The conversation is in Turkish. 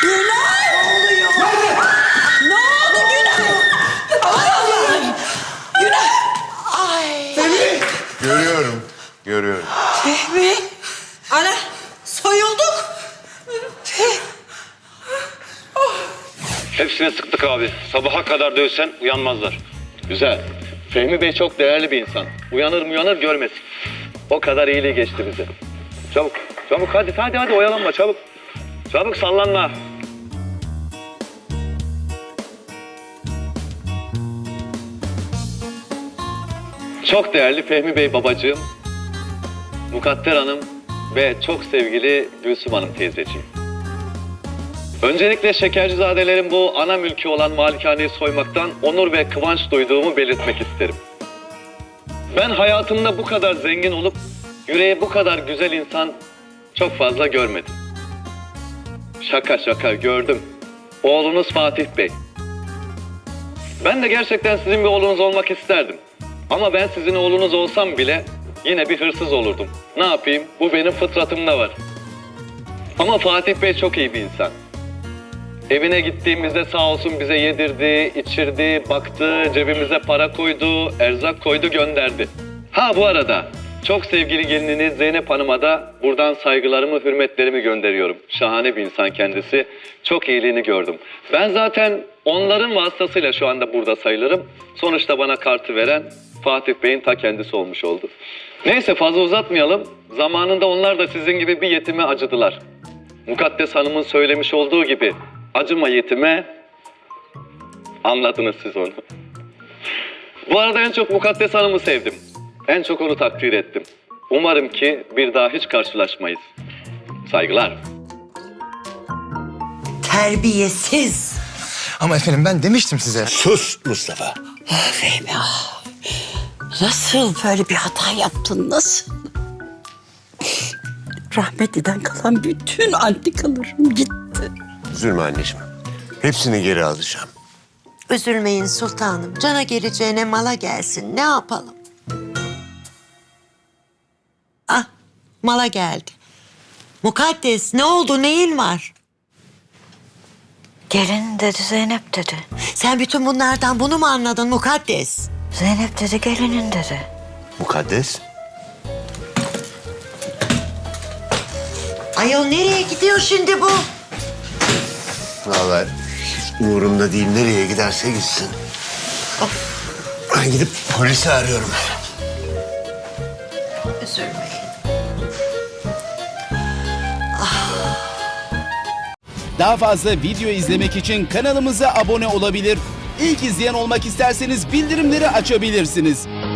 Günay! Ne oluyor? Ne oldu Günay? Ay Allah'ım! Günay! Ay! Fehmi! Görüyorum. Fehmi! Ana! Soyulduk! Hepsine sıktık abi. Sabaha kadar dövsen uyanmazlar. Güzel. Fehmi Bey çok değerli bir insan. Uyanır görmesin. O kadar iyiliği geçti bize. Çabuk hadi oyalanma çabuk. Çabuk sallanma. Çok değerli Fehmi Bey babacığım, Mukadder Hanım ve çok sevgili Gülsüm Hanım teyzeciğim. Öncelikle Şekercizadelerin bu ana mülkü olan malikaneyi soymaktan onur ve kıvanç duyduğumu belirtmek isterim. Ben hayatımda bu kadar zengin olup yüreği bu kadar güzel insan çok fazla görmedim. Şaka gördüm. Oğlunuz Fatih Bey. Ben de gerçekten sizin bir oğlunuz olmak isterdim. Ama ben sizin oğlunuz olsam bile yine bir hırsız olurdum. Ne yapayım? Bu benim fıtratımda var. Ama Fatih Bey çok iyi bir insan. Evine gittiğimizde sağ olsun bize yedirdi, içirdi, baktı, cebimize para koydu, erzak koydu, gönderdi. Ha bu arada çok sevgili gelininiz Zeynep Hanım'a da buradan saygılarımı, hürmetlerimi gönderiyorum. Şahane bir insan kendisi. Çok iyiliğini gördüm. Ben zaten onların vasıtasıyla şu anda burada sayılırım. Sonuçta bana kartı veren Fatih Bey'in ta kendisi olmuş oldu. Neyse fazla uzatmayalım. Zamanında onlar da sizin gibi bir yetime acıdılar. Mukaddes Hanım'ın söylemiş olduğu gibi acıma yetime, anladınız siz onu. Bu arada en çok Mukaddes Hanım'ı sevdim. En çok onu takdir ettim. Umarım ki bir daha hiç karşılaşmayız. Saygılar. Terbiyesiz! Ama efendim ben demiştim size. Sus Mustafa. Fehmi nasıl böyle bir hata yaptın, nasıl? Rahmetliden kalan bütün antikalarım gitti. Üzülme anneciğim. Hepsini geri alacağım. Üzülmeyin sultanım. Cana geleceğine mala gelsin. Ne yapalım? Ah, mala geldi. Mukaddes, ne oldu? Neyin var? Gelin dedi, Zeynep dedi. Sen bütün bunlardan bunu mu anladın Mukaddes? Zeynep dedi, gelinin dedi. Mukaddes. Ayol nereye gidiyor şimdi bu? Vallahi hiç umurumda değil. Nereye giderse gitsin. Ben gidip polisi arıyorum. Üzülmeyin. Daha fazla video izlemek için kanalımıza abone olabilir. İlk izleyen olmak isterseniz bildirimleri açabilirsiniz.